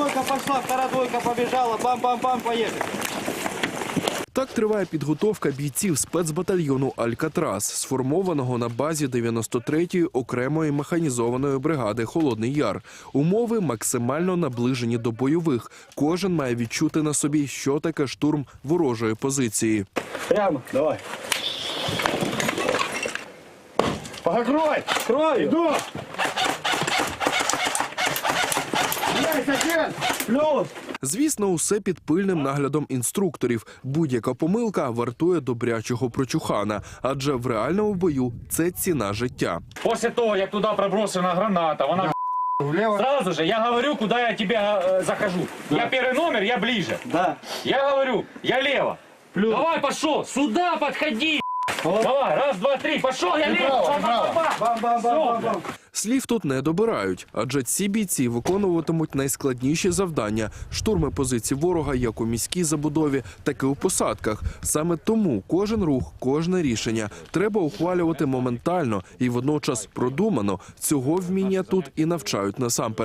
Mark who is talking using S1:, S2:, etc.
S1: двойка пошла, вторая двойка побежала, бам-бам-бам, поехали.
S2: Так триває підготовка бійців спецбатальйону «Алькатрас», сформованого на базі 93-ї окремої механізованої бригади «Холодний Яр». Умови максимально наближені до бойових. Кожен має відчути на собі, що таке штурм ворожої позиції.
S1: Прямо, давай.
S3: Покрой!
S1: Крою.
S3: Иду!
S1: Есть один. Плюс.
S2: Звісно, усе під пильним наглядом інструкторів. Будь-яка помилка вартує добрячого прочухана, адже в реальному бою це ціна життя.
S3: После того, як туди проброшена граната, вона
S1: Влево.
S3: сразу же, я говорю, куда я тебе захожу. Я первый номер, я ближе.
S1: Да.
S3: Я говорю, я лево.
S1: Плюс.
S3: Давай, пошел, сюда подходи. Давай, раз, два, три, пошел, я лево.
S1: Бам-бам-бам-бам-бам.
S2: Слів тут не добирають, адже ці бійці виконуватимуть найскладніші завдання – штурми позицій ворога як у міській забудові, так і у посадках. Саме тому кожен рух, кожне рішення треба ухвалювати моментально і водночас продумано. Цього вміння тут і навчають насамперед.